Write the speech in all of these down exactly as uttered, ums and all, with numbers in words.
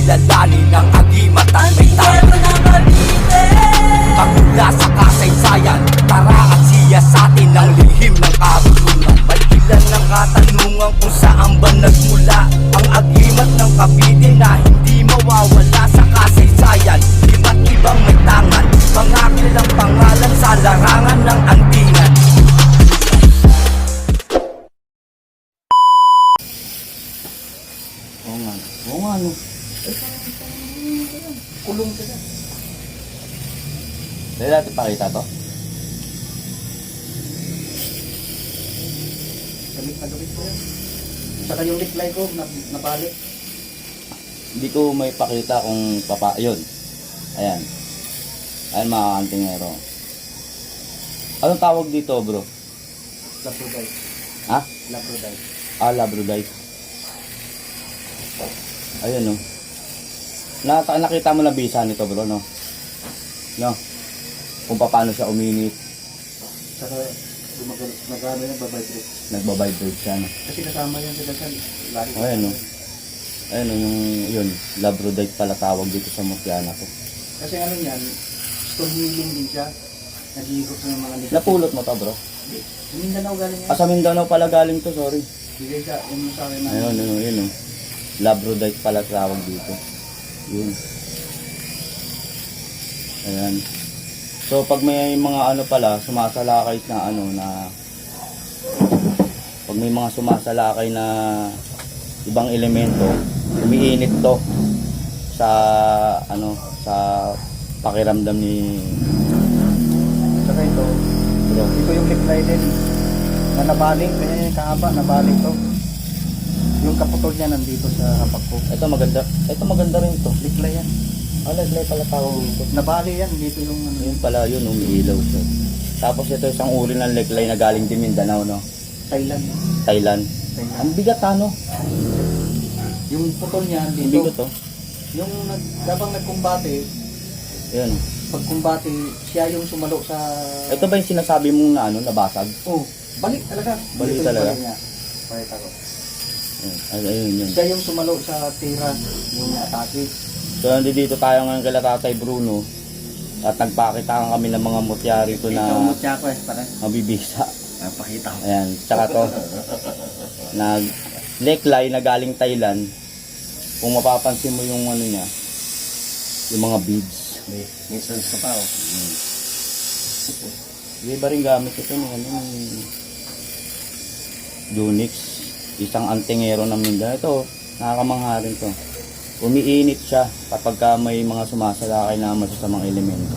kilalanin ang agimat at may tayo pagmula sa kasaysayan. Tara at siya sa atin ang lihim ng karunungan. May ilan ng katanungan kung saan ba nagmula ang agimat ng Cavite na hindi mawawala sa kasaysayan. Iba't ibang may tangan, pangakilang pangalan sa larangan ng andingan. Oo nga. Oo nga, no. Kulong ka na. Dahil natin pakita to? Gamit na gamit ko yan. Saka yung liklay ko, na, napalik. Hindi ko may pakita kung papa... Yun. Ayan. Ayan mga kantingero. Anong tawag dito, bro? Labradite. Ha? Labradite. Ah, labradite. Ayan, no. Nata nakita mo na bisa nito, bro, no? No? Kung paano siya uminit. Saka nag-ano yan, babibrate. Nagbabibrate siya, no? Kasi kasama yan sila sa lagi. Ayan, no. Ayan, no, yung... Yun. Labradite pala tawag dito sa Mutiana ko. Kasi ano yan, stone healing din siya. Nag-iikot ng mga nila. Napulot mo to, bro? Mindanao galing yan. Ah, sa Mindanao pala galing to, sorry. Bigay siya, yun sa akin na. Ayun, ayun, ayun, no. Labradite pala tawag dito. Yun. Ayan. So, pag may mga ano pala, sumasalakay na ano na... Pag may mga sumasalakay na ibang elemento, umiinit to sa ano sa pakiramdam ni Saka ito, bro. ito yung liklay din. Na nabaling, kaya yung kahaba, nabaling to. Yung kaputol niya nandito sa hapak ko. Ito maganda. Ito maganda rin to. Liklay yan. Ah, liklay pala tawag dito. Nabali yan, dito yung ano. Yun pala yun, umiilaw siya. Tapos ito isang uri ng liklay na galing din Mindanao, no? Thailand. Thailand. Thailand. Ang bigat, ano? Yung putol niya Ang dito. bigat, oh. Yung nag, habang nagkumbate, Yun. pagkumbate, siya yung sumalo sa... Ito ba yung sinasabi mong na ano, nabasag? Oh, balik talaga. Balik Dito yung talaga? balik niya. Balik ako. Ayun, ay, ayun yun. Siya yung sumalo sa tira, yung atake. So, nandito tayo ngayon kay Tatay Bruno. At nagpakita kami ng mga mutya rito Ito na mo siya ko eh, pare. mabibisa. Napakita ko. Ayan, tsaka to. Nag neckline na galing Thailand. Kung mapapansin mo yung ano niya, yung mga beads. May, may sense ka pa oh. Hmm. Iba rin gamit ito ng ano, Unix. Isang antingero ng Mindanao. Ito, nakakamangha rin to. Umiinit siya kapag ka may mga sumasalakay na masasamang elemento.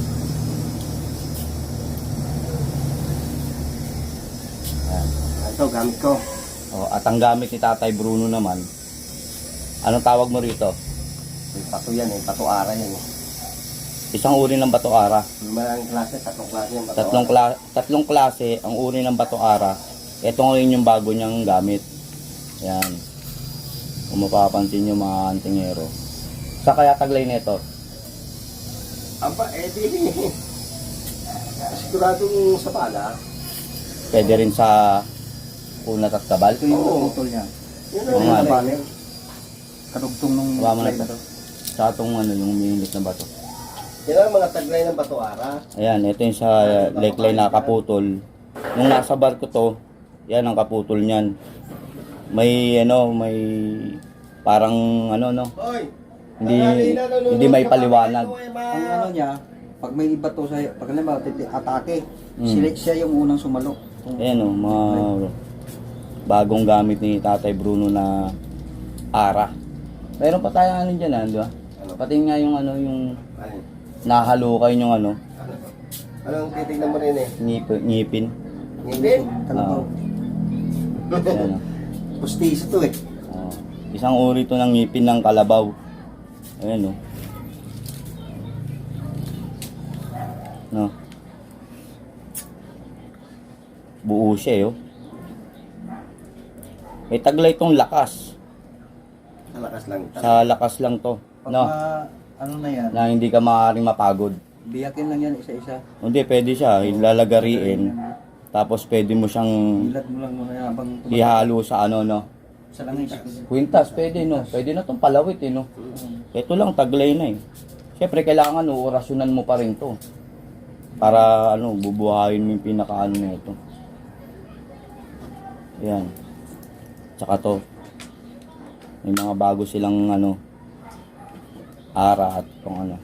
Ayan. Ito, gamit ko. O, at ang gamit ni Tatay Bruno naman, anong tawag mo rito? May pato yan eh, pato ara yan eh. Isang uri ng bato ara. Maraming klase, tatlong klase yung pato Tatlong, kla- tatlong klase ang uri ng bato ara. Ito ngayon yung bago niyang gamit. Yan. Kung mapapansin nyo mga antingero. Sa kaya taglay nito? Aba, eh di. Siguradong sa pala. Pwede rin sa kunat at kabal. Ito yung putol niya. Yun Oo nga. ang nabali. Kadugtong nung Hawa mo na liklay ito. Sa itong ano, yung umiinit na bato. Yan ang mga taglay ng bato ara. Ayan, ito yung sa neckline na kaputol. Nung nasa barko to, yan ang kaputol niyan. May ano, may parang ano no. Hindi hindi may paliwanag. Ang ano niya, pag may iba to sa pag naman atake, Mm. sila siya yung unang sumalo. Ayan o, mga bagong gamit ni Tatay Bruno na ara. Meron pa tayo ano dyan, ah, di ba? Pati nga yung ano, yung nahalukay yung ano, Anong titignan mo rin eh? ngip, ngipin. Ngipin? Kalabaw. Ayan, oh. Pustiso to eh. Oh. Isang uri to ng ngipin ng kalabaw. Ayan o. No. Buo siya eh, oh. May taglay tong lakas. Malakas lang. Sa lakas lang to. Pag No. ma- ano na yan, Na hindi ka maaaring mapagod. biyakin lang yan isa-isa. Hindi, pwede siya. Ilalagariin. Tapos pwede mo siyang Ilad mo lang muna yan habang ihalo sa ano, no. sa langis. Kwintas, pwede, no. Pwede na tong palawit, eh, no. Mm. Ito lang, taglay na eh. Siyempre, kailangan uorasyonan mo pa rin to. Para, ano, bubuhayin mo yung pinakaano na ito. Ayan. Tsaka to. May mga bago silang, ano, ara at kung ano.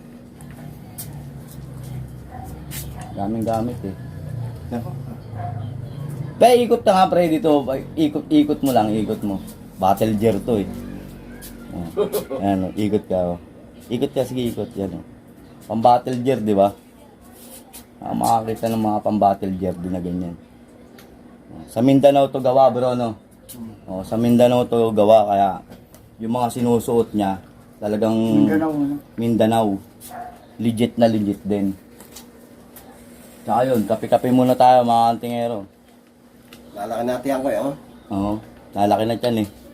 Daming gamit eh. Nako. Kaya ikot na nga pre dito. Ikot, ikot mo lang, ikot mo. Battle gear to eh. Oh. Ayan, oh, ikot ka. Oh. Ikot ka, sige ikot. Yan oh. Pang battle gear, di ba? Ah, makakita ng mga pang battle gear din na ganyan. Oh, sa Mindanao to gawa bro, no? Oh, sa Mindanao to gawa, kaya yung mga sinusuot niya, talagang Mindanao, ano? Mindanao. Legit na legit din. Tsaka yun, kape-kape muna tayo mga kantingero. Lalaki natin yan ko eh, oh. Oo, lalaki na dyan eh.